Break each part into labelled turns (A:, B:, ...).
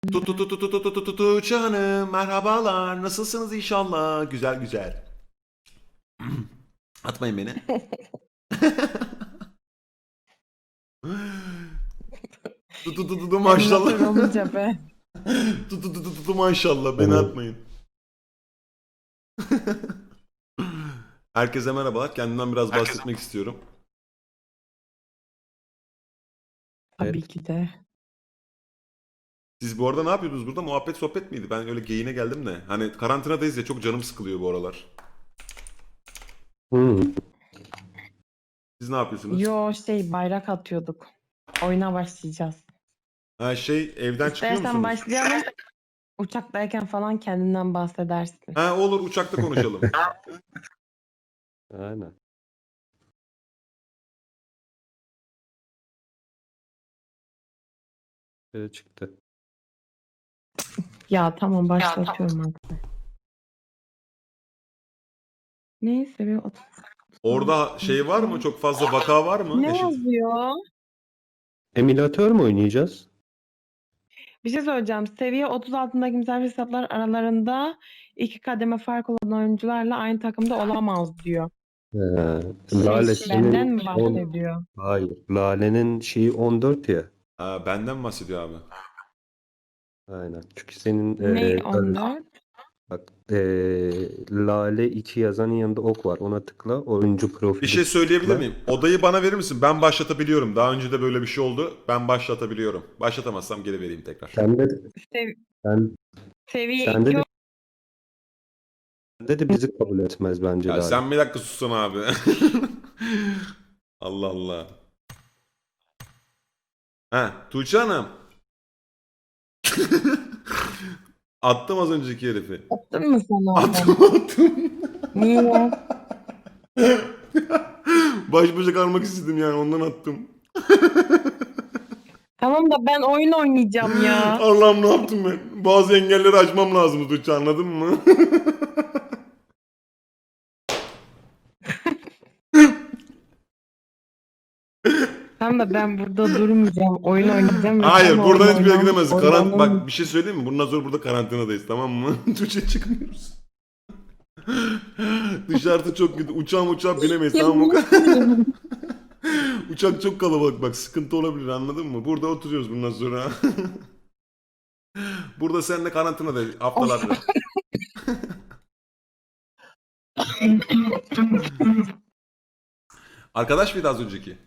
A: Tuğçe Hanım, merhabalar. Nasılsınız inşallah? Güzel güzel. Atmayın beni. Maşallah.
B: Emülatör olunca be.
A: Maşallah beni
C: Evet.
A: atmayın. Herkese merhabalar. Kendimden biraz bahsetmek istiyorum.
B: Tabii
C: Evet.
B: ki de.
A: Siz bu arada ne yapıyordunuz burada? Muhabbet sohbet miydi? Ben öyle geyine geldim de. Hani karantinadayız ya, çok canım sıkılıyor bu aralar.
C: Hmm.
A: Siz ne yapıyorsunuz?
B: Bayrak atıyorduk. Oyuna başlayacağız.
A: Ha evden çıkıyor
B: İstersen
A: musunuz?
B: başlayalım. Uçaktayken falan kendinden bahsedersin.
A: Ha olur, uçakta konuşalım.
C: Aynen. Çıktı.
B: Ya tamam başlatıyorum artık. Neyse bir otur.
A: Orada var mı? Çok fazla vaka var mı?
B: Ne yazıyor?
C: Emülatör mü oynayacağız?
B: Bir şey söyleyeceğim. Seviye 30 altındaki misafir hesaplar aralarında 2 kademe fark olan oyuncularla aynı takımda olamaz diyor.
C: Lale
B: Benden
C: senin
B: mi bahsediyor?
C: Hayır. Lale'nin şeyi 14 ya.
A: Ha, benden bahsediyor abi.
C: Aynen. Çünkü senin
B: Ne 14?
C: bak Lale 2 yazanın yanında ok var. Ona tıkla. Oyuncu
A: Bir
C: profili
A: şey söyleyebilir
C: tıkla.
A: miyim? Odayı bana verir misin? Ben başlatabiliyorum. Daha önce de böyle bir şey oldu. Ben başlatabiliyorum. Başlatamazsam geri vereyim tekrar.
C: Sende,
B: Sev-
C: sen,
B: seviye
C: sende
B: 2
C: de, sende de bizi kabul etmez bence
A: Ya
C: Lale.
A: sen bir dakika sussana abi. Allah Allah. Ha, Tuğçe Hanım. Attım az önceki herifi.
B: attın mı sen oradan?
A: Attım.
B: Niye?
A: Baş başa kalmak istedim yani, ondan attım.
B: Tamam da ben oyun oynayacağım ya.
A: Allah'ım, ne yaptım ben? Bazı engelleri aşmam lazım Tuğçe, anladın mı?
B: Tamam da ben burada durmayacağım. Oyun oynayacağım ve sen
A: Hayır,
B: oyun
A: buradan hiçbir yere
B: oynan
A: gidemezsin.
B: oynanın.
A: Bak bir şey söyleyeyim mi? Bundan sonra burada karantinadayız, tamam mı? Tuğçe, çıkmıyoruz. Dışarıda çok kötü. Uçağa binemeyiz, tamam mı? Uçak çok kalabalık, bak sıkıntı olabilir, anladın mı? Burada oturuyoruz bundan sonra. Burada seninle karantinadayız
B: Of.
A: haftalardır. Arkadaş mıydı az önceki?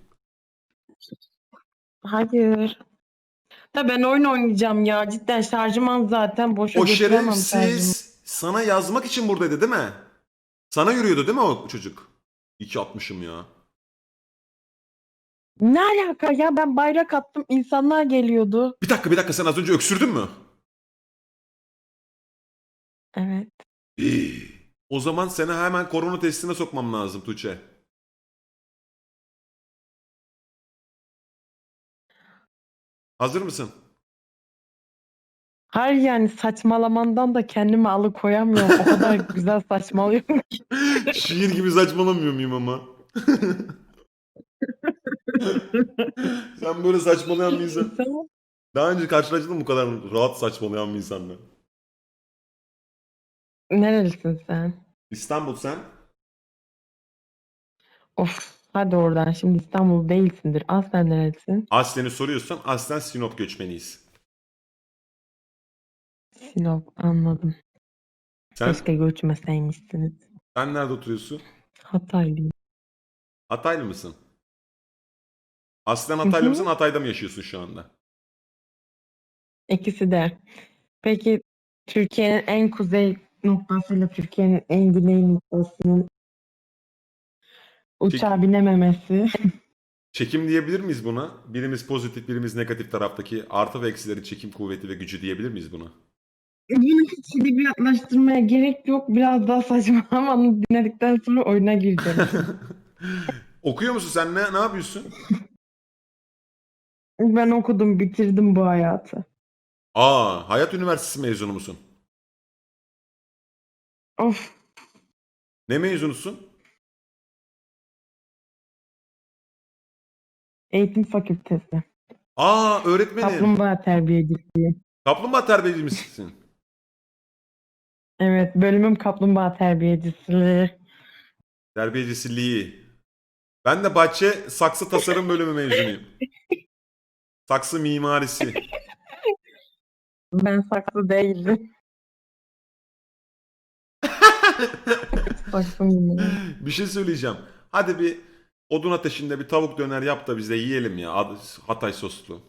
B: Hayır. Da ben oyun oynayacağım ya. Cidden şarjım az zaten. Boşa
A: O
B: götüremem şarjımı.
A: şerefsiz sana yazmak için buradaydı değil mi? Sana yürüyordu değil mi o çocuk? 2.60'ım ya.
B: Ne alaka ya? Ben bayrak attım. İnsanlar geliyordu.
A: Bir dakika, sen az önce öksürdün mü?
B: Evet.
A: O zaman seni hemen korona testine sokmam lazım Tuğçe. Hazır mısın?
B: Hayır yani saçmalamandan da kendimi alıkoyamıyorum. O kadar güzel saçmalıyorum ki.
A: Şiir gibi saçmalamıyor muyum ama? Sen böyle saçmalayan bir insan.
B: Tamam.
A: Daha önce karşılaştın mı bu kadar rahat saçmalayan bir insanla?
B: Nerelisin sen?
A: İstanbul sen?
B: Of. Hadi oradan. Şimdi İstanbul değilsindir. Aslen nerelisin?
A: Aslen'i soruyorsan aslen Sinop göçmeniyiz.
B: Sinop. Anladım.
A: Sen
B: Keşke göçmeseymişsiniz.
A: sen nerede oturuyorsun?
B: Hataylıyım.
A: Hataylı mısın? Aslen
B: Hı
A: Hataylı mısın?
B: hı.
A: Hatay'da mı yaşıyorsun şu anda?
B: İkisi de. Peki Türkiye'nin en kuzey noktasıyla Türkiye'nin en güney noktasının
A: Çek-
B: uçağa binememesi.
A: Çekim diyebilir miyiz buna? Birimiz pozitif, birimiz negatif taraftaki artı ve eksileri çekim kuvveti ve gücü diyebilir miyiz buna?
B: Bunu hiç edebiyatlaştırmaya gerek yok. Biraz daha saçmalamanı dinledikten sonra oyuna gireceğim.
A: Okuyor musun sen? Ne yapıyorsun?
B: Ben okudum, bitirdim bu hayatı.
A: Aa, Hayat Üniversitesi mezunu musun?
B: Of,
A: Ne mezunusun?
B: eğitim fakültesi.
A: Aa, öğretmenim.
B: Kaplumbağa terbiyeciliği.
A: Kaplumbağa terbiyeci misin?
B: Evet, bölümüm kaplumbağa terbiyecisi.
A: Terbiyecisiliği. Ben de bahçe saksı tasarım bölümü mezunuyum. Saksı mimarisi.
B: Ben saksı değildim. Saksı mıyım?
A: Bir şey söyleyeceğim. Hadi bir odun ateşinde bir tavuk döner yap da biz de yiyelim ya. Hatay soslu.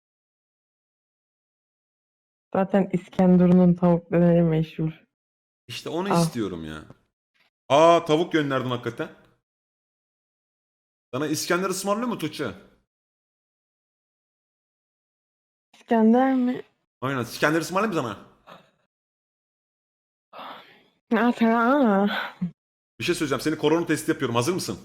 B: Zaten İskenderun'un tavuk döneri meşhur.
A: İşte onu
B: Al.
A: istiyorum ya. Aa, tavuk gönderdin hakikaten. Sana İskender ısmarlıyor mu Tuğçe?
B: İskender mi?
A: Aynen. İskender ısmarlayayım mı sana?
B: Aa,
A: Bir şey söyleyeceğim. Seni korona testi yapıyorum. Hazır mısın?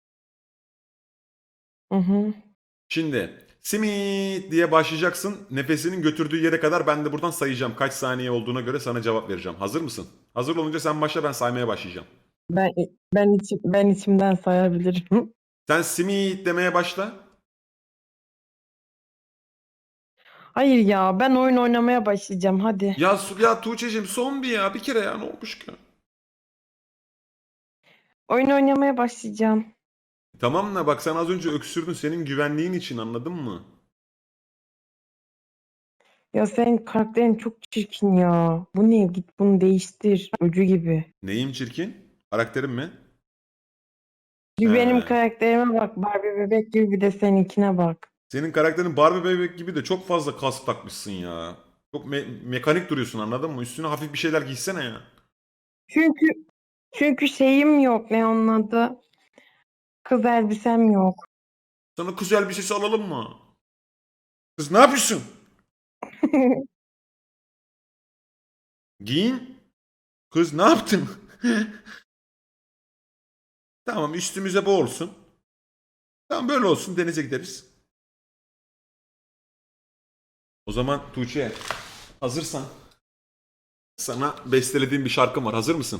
B: hı hı.
A: Şimdi simit diye başlayacaksın. Nefesinin götürdüğü yere kadar ben de buradan sayacağım. Kaç saniye olduğuna göre sana cevap vereceğim. Hazır mısın? Hazır olunca sen başla, ben saymaya başlayacağım.
B: Ben içimden sayabilirim.
A: Sen simit demeye başla.
B: Hayır ya, ben oyun oynamaya başlayacağım hadi.
A: Ya Tuğçe'cim son bir kere ya, ne olmuş ki?
B: Oyun oynamaya başlayacağım.
A: Tamam da bak, sen az önce öksürdün, senin güvenliğin için, anladın mı?
B: Ya senin karakterin çok çirkin ya. Bu ne? Git bunu değiştir. Öcü gibi.
A: Neyim çirkin? Karakterim mi?
B: Bir benim
A: He.
B: karakterime bak. Barbie bebek gibi, bir de seninkine bak.
A: Senin karakterin Barbie bebek gibi de çok fazla kask takmışsın ya. Çok mekanik duruyorsun, anladın mı? Üstüne hafif bir şeyler giysene ya.
B: Çünkü çünkü şeyim yok. Ne onun adı? Kız elbisem yok.
A: Sana kız elbisesi alalım mı? Kız ne yapıyorsun? Giyin. Kız ne yaptın? Tamam, üstümüze bu olsun. Tamam, böyle olsun, denize gideriz. O zaman Tuğçe, hazırsan sana bestelediğim bir şarkım var. Hazır mısın?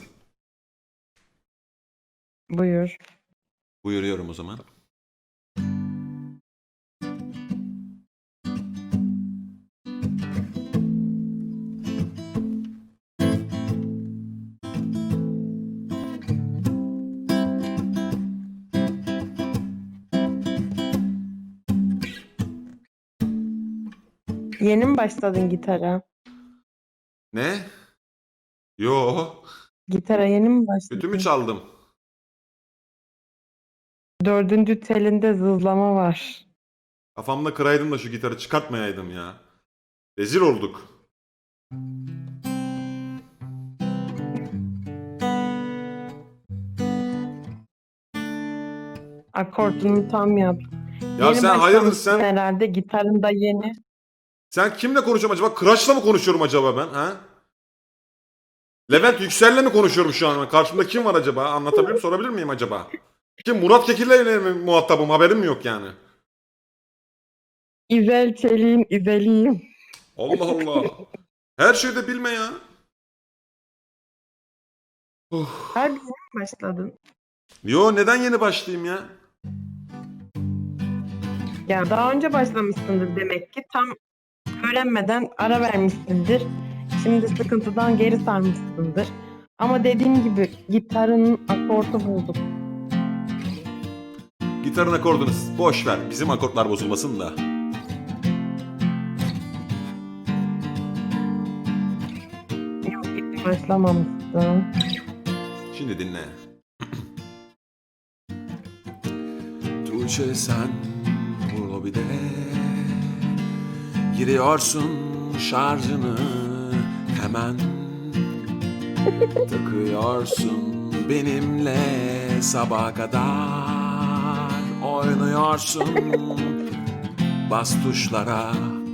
B: Buyur.
A: Buyuruyorum o zaman.
B: Yeni mi başladın gitara?
A: Ne? Yo.
B: Gitara yeni mi
A: Kötü mü
B: başladın?
A: çaldım?
B: Dördüncü telinde zızlama var.
A: Kafamda kıraydım da şu gitarı çıkartmayaydım ya. Rezil olduk.
B: Akortunu tam yap.
A: Ya
B: Yeni
A: sen hayırdır
B: başlamışsın
A: sen?
B: herhalde. Gitarın da yeni.
A: Sen kimle konuşuyorum acaba? Kıraç'la mı konuşuyorum acaba ben? Ha? Levent Yüksel'le mi konuşuyorum şu an? Karşımda kim var acaba? Anlatabilir miyim? Sorabilir miyim acaba? Kim? Murat Kekil'le mi muhatabım? Haberim mi yok yani?
B: İzel Çelik'in İzeliyim.
A: Allah Allah. Her şeyi de bilme ya. Uf.
B: Harbi yeni mi başladın?
A: Yo, neden yeni başlayayım ya?
B: Ya daha önce başlamışsındır demek ki. Tam öğrenmeden ara vermişsindir. Şimdi sıkıntıdan geri sarmışsındır. Ama dediğim gibi gitarın akortu bulduk.
A: Gitarın akordunu boş ver. Bizim akortlar bozulmasın da.
B: Yok, hiç başlamamışsın.
A: Şimdi dinle. Tuğçe, sen bu lobide giriyorsun, şarjını hemen takıyorsun benimle, sabaha kadar oynuyorsun, bas tuşlara.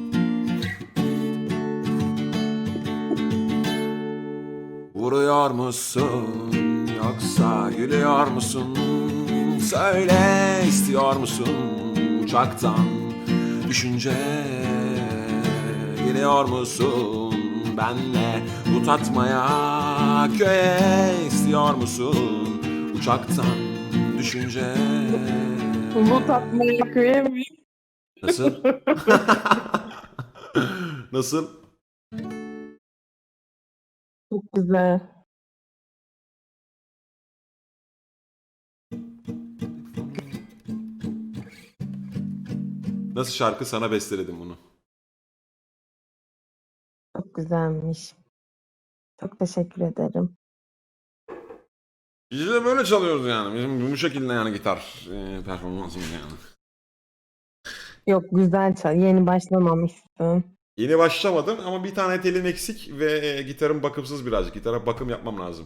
A: Vuruyor musun yoksa gülüyor musun? Söyle, istiyor musun uçaktan düşünce? Geliyor musun benle bu tatmaya köye? İstiyor musun uçaktan düşünce?
B: Bu tatmaya köye mi?
A: Nasıl? Nasıl?
B: Çok güzel.
A: Nasıl şarkı, sana besteledim bunu.
B: Çok güzelmiş. Çok teşekkür ederim.
A: Biz de böyle çalıyoruz yani. Bizim bu şekilde yani gitar performansımız yani.
B: Yok güzel çal. Yeni başlamamışsın.
A: Yeni başlamadım ama bir tane telim eksik ve gitarım bakımsız birazcık. Gitara bakım yapmam lazım.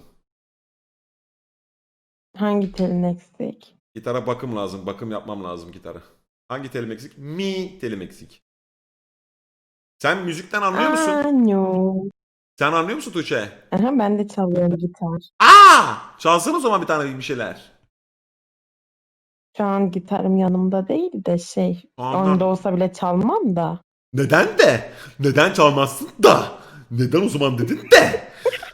B: Hangi telin eksik?
A: Gitara bakım lazım. Bakım yapmam lazım gitara. Hangi telim eksik? Mi telim eksik. Sen müzikten anlıyor musun?
B: Anyo.
A: Sen anlıyor musun Tuğçe?
B: Aha, ben de çalıyorum gitar.
A: Aa! Çalsana o zaman bir tane bir şeyler.
B: Şu an gitarım yanımda değil de
A: Ondan-
B: onda olsa bile çalmam da.
A: Neden de? Neden çalmazsın da? Neden o zaman dedin de?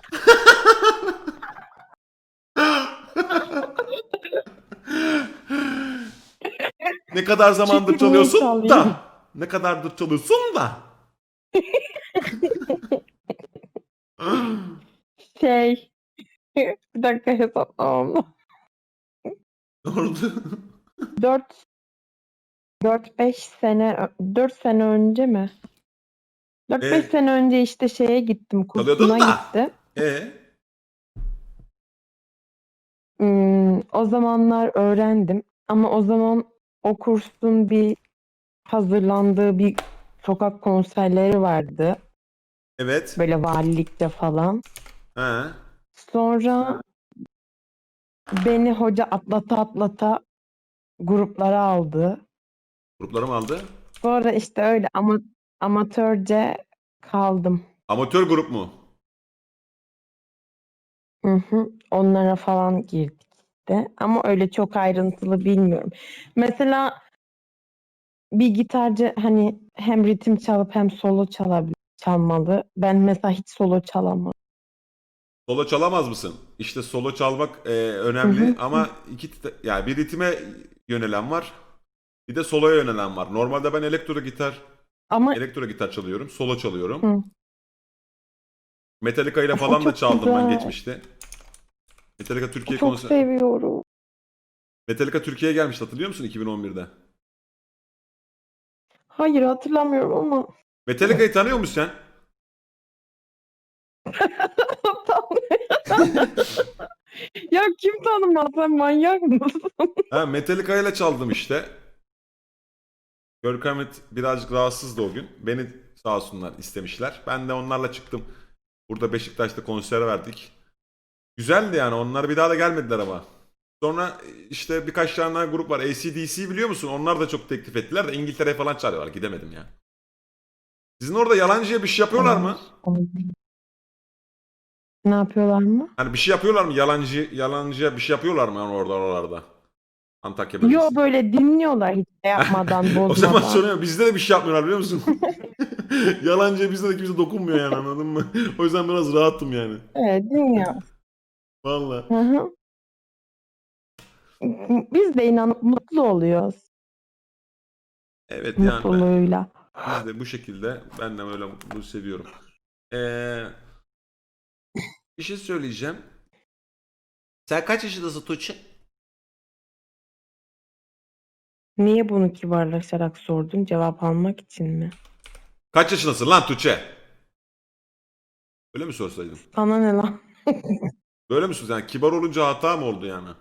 A: Ne kadar zamandır
B: Çünkü niye
A: çalıyorsun
B: çalayım?
A: da? Ne kadardır çalıyorsun da?
B: Şey. Bir dakika hesaplamam lazım.
A: Ne oldu?
B: 4 4-5 sene 4 sene önce mi? 4-5 sene önce işte şeye gittim,
A: Çalıyordun
B: kursuna
A: da.
B: gittim.
A: E
B: O zamanlar öğrendim ama o zaman o kursun bir hazırlandığı bir sokak konserleri vardı.
A: evet.
B: Böyle valilikte falan.
A: He.
B: Sonra beni hoca atlata atlata gruplara aldı.
A: Gruplarım aldı.
B: Sonra işte öyle amatörce kaldım.
A: Amatör grup mu?
B: Hı hı. Onlara falan girdik de. Ama öyle çok ayrıntılı bilmiyorum. Mesela bir gitarcı hani hem ritim çalıp hem solo çalmalı. Ben mesela hiç solo çalamam.
A: Solo çalamaz mısın? İşte solo çalmak
B: Hı
A: önemli
B: hı.
A: ama yani bir ritme yönelen var. Bir de soloya yönelen var. Normalde ben
B: Ama
A: elektro gitar çalıyorum, solo çalıyorum.
B: hı.
A: Metallica ile
B: Of, o
A: falan da
B: çok
A: çaldım ben
B: güzel.
A: geçmişte. Metallica Türkiye
B: Çok seviyorum.
A: Metallica Türkiye'ye gelmişti, hatırlıyor musun 2011'de?
B: Hayır hatırlamıyorum ama
A: Metallica'yı tanıyor musun sen?
B: ya kim tanımaz, sen manyak mısın?
A: Ha, Metallica ile çaldım işte. Görkem birazcık rahatsızdı o gün. Beni sağ olsunlar istemişler. Ben de onlarla çıktım. Burada Beşiktaş'ta konser verdik. Güzeldi yani. Onlar bir daha da gelmediler ama. Sonra işte birkaç tane daha grup var. AC/DC biliyor musun? Onlar da çok teklif ettiler de İngiltere'ye falan çağırıyorlar. Gidemedim ya. Sizin orada yalancıya bir şey yapıyorlar mı?
B: Ne yapıyorlar mı?
A: Hani bir şey yapıyorlar mı? Yalancıya bir şey yapıyorlar mı yani orada oralarda? Antakya
B: Yo,
A: bölgesi.
B: böyle dinliyorlar hiç şey yapmadan,
A: O zaman
B: bozmadan.
A: soruyorum. Bizde de bir şey yapmıyorlar biliyor musun? Yalancıya bizde de kimse dokunmuyor yani, anladın mı? O yüzden biraz rahattım yani.
B: Evet, dinliyor.
A: Valla.
B: Hı hı. Biz de inanıp mutlu oluyoruz
A: Evet yani
B: mutluluğuyla.
A: biz de bu şekilde, ben de öyle mutluluğu seviyorum. Ee, bir şey söyleyeceğim. Sen kaç yaşındasın Tuğçe?
B: Niye bunu kibarlaşarak sordun? Cevap almak için mi?
A: Kaç yaşındasın lan Tuğçe? Öyle mi sorsaydım?
B: Sana ne lan?
A: Böyle mi sorsaydım? Yani kibar olunca hata mı oldu yani?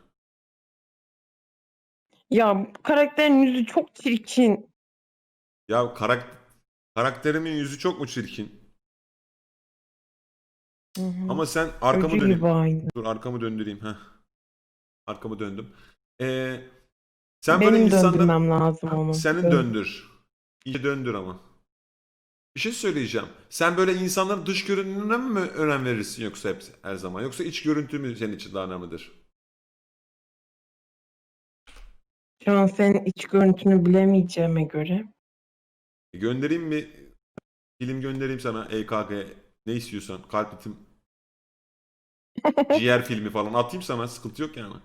B: Ya karakterin yüzü çok çirkin.
A: Ya karakterimin yüzü çok mu çirkin?
B: Hı hı.
A: Ama sen arkamı
B: Öcü gibi
A: döneyim.
B: aynı.
A: Dur arkamı döndüreyim. Heh. Arkamı döndüm. Ee, sen böyle
B: Benim
A: insanlar...
B: döndürmem lazım onu.
A: Senin döndür. İyi döndür ama. Bir şey söyleyeceğim. Sen böyle insanların dış görünümüne mi önem verirsin yoksa her zaman? Yoksa iç görüntü mü senin için daha önemlidir?
B: Şu an senin iç görüntünü bilemeyeceğime göre.
A: Göndereyim mi? Film göndereyim sana. EKG ne istiyorsan. Kalp ritim, ciğer filmi falan atayım sana. Sıkıntı yok yani.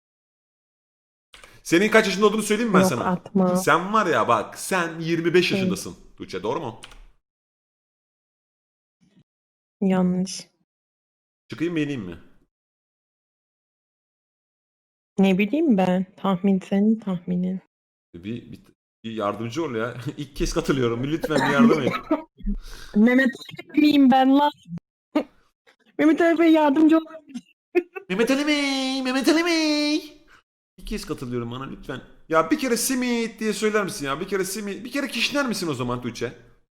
A: Senin kaç yaşında olduğunu söyleyeyim mi ben
B: Yok,
A: sana?
B: atma.
A: Sen var ya bak, sen 25
B: Şey,
A: yaşındasın. Tuğçe doğru mu?
B: yanlış.
A: Çıkayım mı ineyim mi?
B: Ne bileyim ben. Tahmin senin tahminin.
A: Bir yardımcı ol ya. İlk kez katılıyorum. Lütfen bir yardım et.
B: Mehmet Ali miyim ben lan? Mehmet Ali Bey yardımcı ol.
A: Mehmet Ali Bey, Mehmet Ali Bey. İlk kez katılıyorum bana lütfen. Ya bir kere simit diye söyler misin ya? Bir kere simit, bir kere kişner misin o zaman Tuğçe?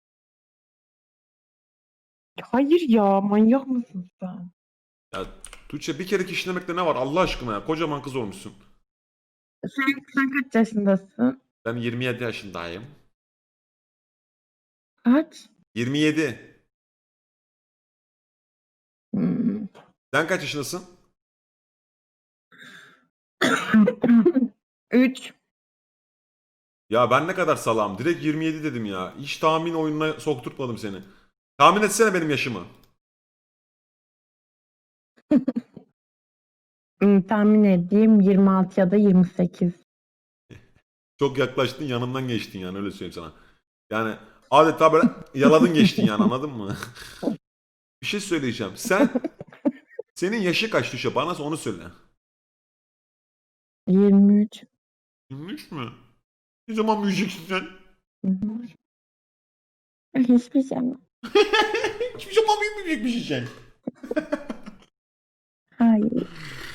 B: Hayır ya, manyak mısın sen?
A: Ya Tuğçe bir kere kişnemekte ne var Allah aşkına ya? Kocaman kız olmuşsun.
B: Sen kaç yaşındasın?
A: Ben 27 yaşındayım.
B: Kaç?
A: 27.
B: Hmm.
A: Sen kaç yaşındasın?
B: 3.
A: Ya ben ne kadar salağım. Direkt 27 dedim ya. Hiç tahmin oyununa sokturtmadım seni. Tahmin etsene benim yaşımı.
B: Tahmin edeyim 26 ya da 28.
A: Çok yaklaştın yanımdan geçtin yani öyle söyleyeyim sana. Yani adeta böyle yaladın geçtin yani anladın mı? Bir şey söyleyeceğim. Senin yaşı kaç Tuşa? Bana onu söyle.
B: 23.
A: 23 mü? Ne zaman büyüyeceksin sen?
B: Hı hı. Hiçbir şey mi?
A: Hiçbir zaman büyümeyecekmişsin sen.
B: Hayır.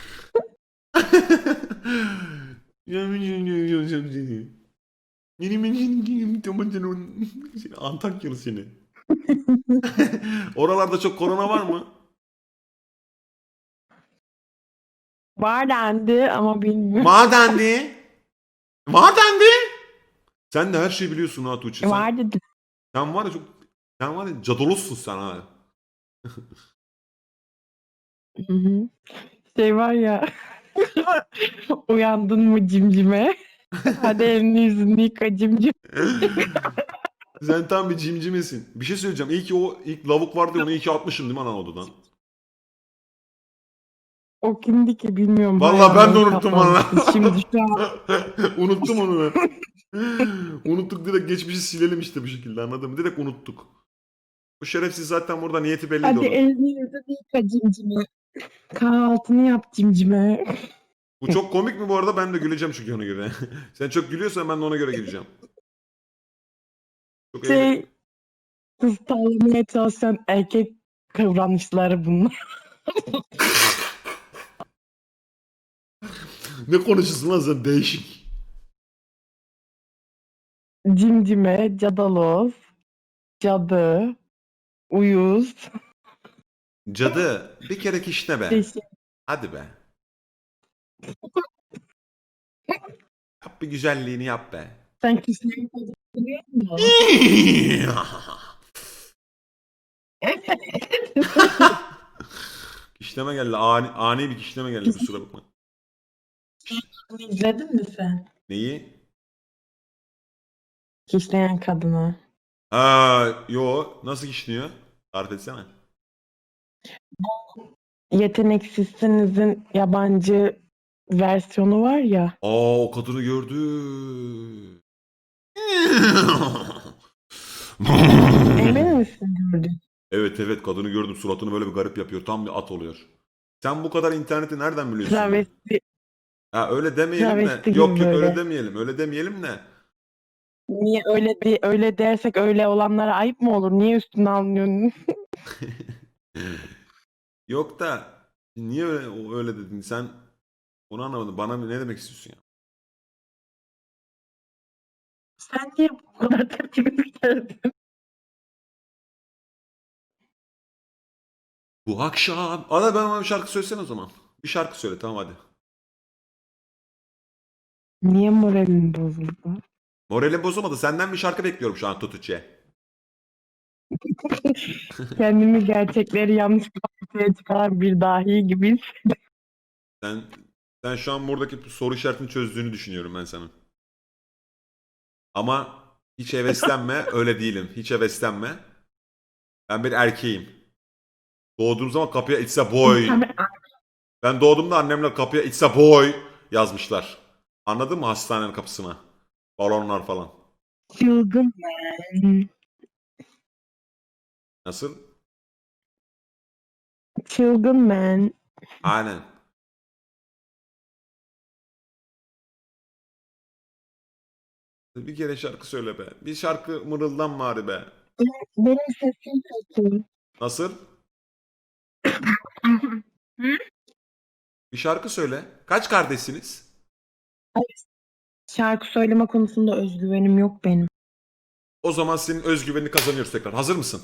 A: Seni Antakyalı seni. Oralarda çok korona var mı?
B: Var dendi ama bilmiyorum.
A: Madendi. Madendi. Sen de her şeyi biliyorsun ha Tuğçe.
B: Var dedi.
A: Sen var ya çok... Sen var ya cadolozsun sen ha.
B: Hı hı. Şey var ya. Uyandın mı cimcime? Hadi elini yüzünü yıka cimcim.
A: Sen tam bir cimcimesin. Bir şey söyleyeceğim. İyi ki o ilk lavuk vardı ya onu iyi ki atmışım değil mi lan odadan?
B: O kimdi ki bilmiyorum.
A: Vallahi ben de
B: Hayalleri
A: unuttum valla.
B: kapanmıştı. Şimdi şu an
A: Unuttum onu ben. Unuttuk direkt geçmişi silelim işte bu şekilde anladın mı? Direkt unuttuk. Bu şerefsiz zaten burada niyeti belliydi
B: hadi
A: onun.
B: elini yüzünü yıka cimcime. Kahvaltını yap cimcime.
A: Bu çok komik mi bu arada? Ben de güleceğim çünkü ona göre. Sen çok gülüyorsan ben de ona göre güleceğim. Çok
B: Şey kız tavlamaya çalışan erkek kıvranışları bunlar.
A: Ne konuşuyorsun lan sen değişik.
B: Cimcime, cadaloz, cadı, uyuz.
A: Cadı bir kere kişne be.
B: Değişik.
A: Hadi be. Yap bir güzelliğini yap be.
B: Sen kişileri biliyor musun?
A: Kişneme geldi. Ani bir kişneme geldi kusura bakma.
B: İzledin mi sen?
A: Neyi?
B: Kişleyen kadını.
A: Yo nasıl kişniyor? Tarif etsene.
B: Yeteneksizsinizin yabancı versiyonu var ya.
A: O kadını gördü.
B: Emin misin gördün?
A: Evet evet kadını gördüm suratını böyle bir garip yapıyor. Tam bir at oluyor. Sen bu kadar interneti nereden biliyorsun ya?
B: Travesti,
A: Ha öyle demeyelim de.
B: travesti
A: Yok
B: gibi
A: yok öyle
B: böyle.
A: demeyelim. Öyle demeyelim de.
B: Niye öyle dersek öyle olanlara ayıp mı olur? Niye üstüne alınıyorsun?
A: Yok da niye öyle dedin? Sen onu anlamadın. Bana ne demek istiyorsun ya?
B: Sen niye bu kadar tepki gösterdin?
A: Bu akşam. Ana ben bana bir şarkı söylesene o zaman. Bir şarkı söyle tamam hadi.
B: Niye moralin bozuldu?
A: Moralim bozulmadı. Senden bir şarkı bekliyorum şu an Tutuçe.
B: Kendimi gerçekleri yanlış ortaya çıkaran bir dahi gibi.
A: Sen sen şu an buradaki soru işaretini çözdüğünü düşünüyorum ben sana. Ama hiç heveslenme. Öyle değilim. Hiç heveslenme. Ben bir erkeğim. Doğduğum zaman kapıya it's a boy. Ben doğduğumda annemle kapıya it's a boy yazmışlar. Anladın mı hastanenin kapısına? Balonlar falan.
B: Çılgın ben.
A: Nasıl?
B: Çılgın man.
A: Aynen. Bir kere şarkı söyle be. Bir şarkı mırıldan bari be.
B: Benim sesim kötü.
A: Nasıl?
B: Hı?
A: Bir şarkı söyle. Kaç kardeşsiniz?
B: Şarkı söyleme konusunda özgüvenim yok benim.
A: O zaman senin özgüvenini kazanıyoruz tekrar. Hazır mısın?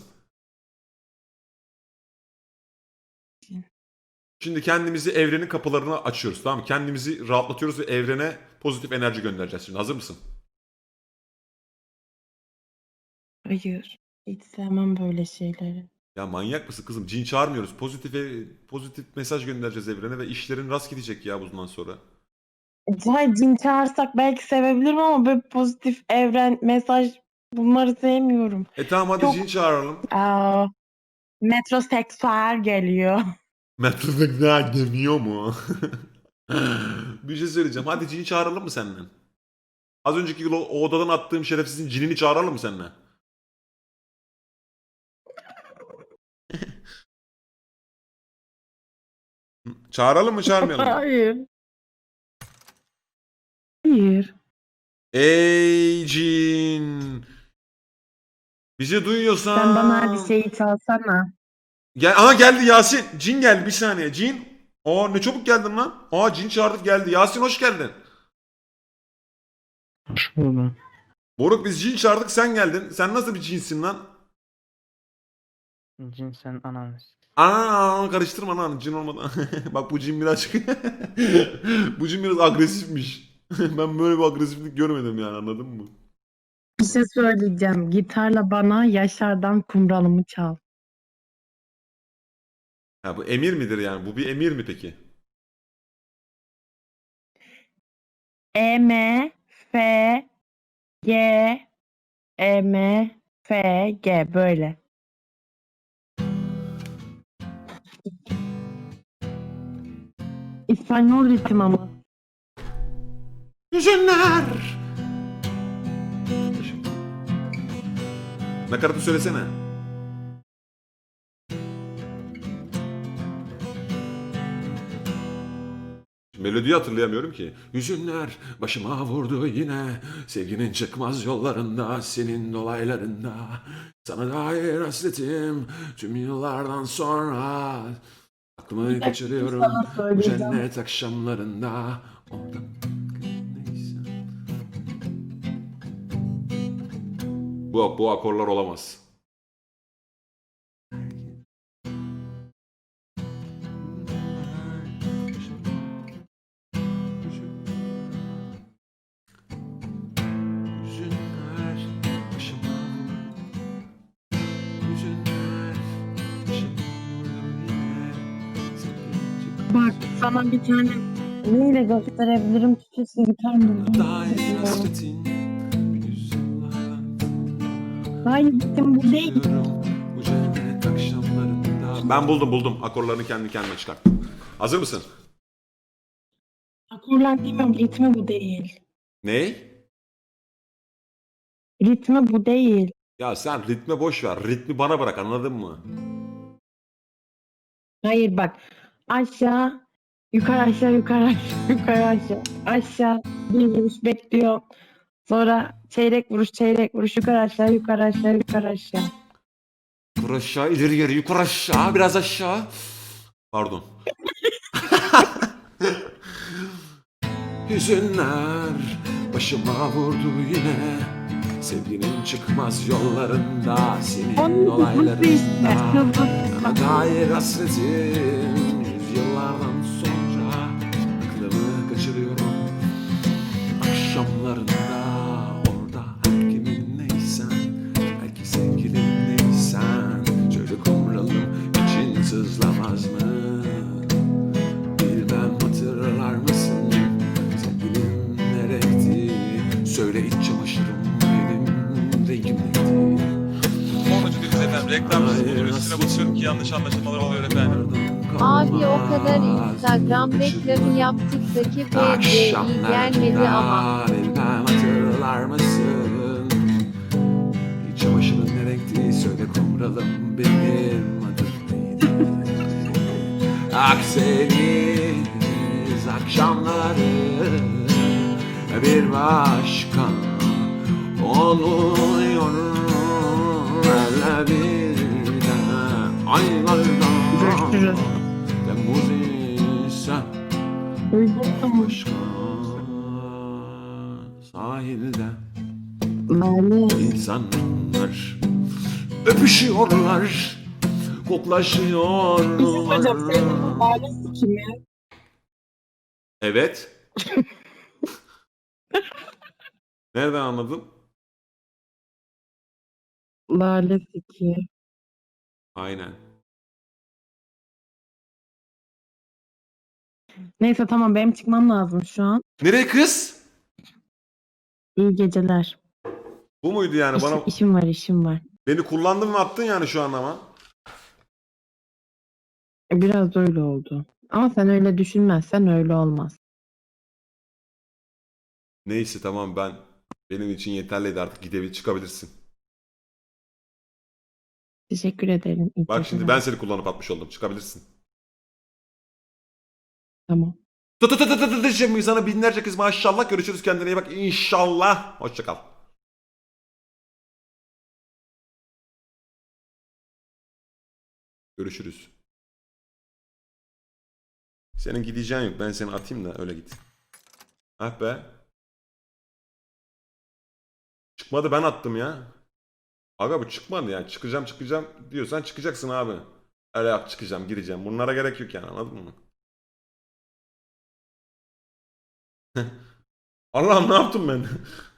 A: Şimdi kendimizi evrenin kapılarına açıyoruz, tamam mı? Kendimizi rahatlatıyoruz ve evrene pozitif enerji göndereceğiz şimdi. Hazır mısın?
B: Hayır. Hiç sevmem böyle şeyleri.
A: Ya manyak mısın kızım? Cin çağırmıyoruz. Pozitif mesaj göndereceğiz evrene ve işlerin rast gidecek ya bundan sonra.
B: Hayır, cin çağırsak belki sevebilirim ama böyle pozitif evren, mesaj bunları sevmiyorum.
A: Tamam hadi
B: Çok-
A: cin çağıralım.
B: Metroseksüel geliyor.
A: Metrofekler demiyor mu? Bir şey söyleyeceğim. Hadi cini çağıralım mı seninle? Az önceki o odadan attığım şerefsizin cinini çağıralım mı seninle? Çağıralım mı çağırmayalım mı?
B: Hayır. Hayır.
A: Ey cin! Bizi duyuyorsan...
B: Sen bana bir şeyi çalsana.
A: Aha geldi Yasin. Cin geldi bir saniye. Cin. Aa ne çabuk geldin lan. Aa cin çağırdık geldi. Yasin hoş geldin.
C: Hoş buldum.
A: Moruk biz cin çağırdık sen geldin. Sen nasıl bir cinsin lan?
D: Cin sen ananı.
A: Ana karıştırma lan cin olmadan. Bak bu cin birazcık bu cin biraz agresifmiş. Ben böyle bir agresiflik görmedim yani anladın mı?
B: Bir şey söyleyeceğim. Gitarla bana Yaşar'dan Kumralımı çal.
A: Ha bu emir midir yani? Bu bir emir mi peki?
B: E M F G E M F G böyle. İspanyol ritim ama.
A: Hüzünler. Nakaratı söylesene. Melodiyi hatırlayamıyorum ki. Hüzünler başıma vurdu yine. Sevginin çıkmaz yollarında, senin dolaylarında. Sana dair hasretim tüm yıllardan sonra. Aklımı kaçırıyorum
B: sana
A: bu
B: söyleyeceğim.
A: cennet akşamlarında. Orada neyse. Bu akorlar olamaz. Hüzünler başıma vurdu. Hüzünler başıma vurdu yine. Sevginin
B: Bak sana bir tane neyle gösterebilirim? Türkçesi gitar buldum.
A: dair hasretin yüzyıllardan
B: Hayır ritim bu değil.
A: Diyorum bu cennet akşamlarında. Ben buldum. Akorlarını kendi kendime çıkarttım. Hazır mısın?
B: Akorlar bilmiyorum. Ritmi bu değil.
A: Ney?
B: Ritmi bu değil.
A: Ya sen ritme boş ver. Ritmi bana bırak anladın mı?
B: Hayır bak. Aşağı, yukarı aşağı, yukarı aşağı, yukarı aşağı. Aşağı bir vuruş bekliyor. Sonra çeyrek vuruş, yukarı aşağı, yukarı aşağı, yukarı aşağı.
A: Yukarı aşağı, ileri geri, yukarı aşağı, biraz aşağı. Pardon. Hüzünler başıma vurdu yine. Sevginin çıkmaz yollarında, senin olaylarında. Sana dair hasretim yüzyıllardan sonra. Aklımı kaçırıyorum akşamlarında. Orada her kimin neysen, belki sevgilin neysen. Şöyle kumralım için sızlamaz mı? Bilmem hatırlar mısın? Sevgilim ne renkti? Söyle iç çamaşırım benim rengim neydi?
E: Sonracı değiliz efendim. Reklamsız oluyor. Üstüne basıyorum ki yanlış anlaşılmalar oluyor efendim.
F: Abi o kadar Instagram reklamı yaptık da ki BDI gelmedi ama.
A: Bilmem hatırlar mısın? İç çamaşırın ne renkti? Söyle kumralım benim adım neydi? Akdeniz akşamları bir başka oluyor hele bir de aylardan
B: Görüşürüz.
A: Temmuz ise
B: Uygun
A: başka sahilde
B: Lale.
A: insanlar öpüşüyorlar,
B: Bizim
A: koklaşıyorlar.
B: hocam senin lalesi kimi?
A: Evet. Nereden anladın?
B: Lalesi ki.
A: Aynen.
B: Neyse tamam benim çıkmam lazım şu an.
A: Nereye kız?
B: İyi geceler.
A: Bu muydu yani bana?
B: İşim var.
A: Beni kullandın mı attın yani şu an ama.
B: Biraz öyle oldu. Ama sen öyle düşünmezsen öyle olmaz.
A: Neyse tamam benim için yeterliydi artık çıkabilirsin.
B: Teşekkür ederim. İyi
A: Bak şimdi
B: geceler.
A: ben seni kullanıp atmış oldum. Çıkabilirsin.
B: Tamam.
A: Şimdi sana binlerce kız maşallah görüşürüz kendine iyi bak inşallah. Hoşça kal. Görüşürüz. Senin gideceğin yok. Ben seni atayım da öyle git. Ah be. Çıkmadı ben attım ya. Aga bu çıkmadı ya. Çıkacağım diyorsan çıkacaksın abi. Öyle yap çıkacağım gireceğim. Bunlara gerek yok yani anladın mı? Allah'ım ne yaptım ben?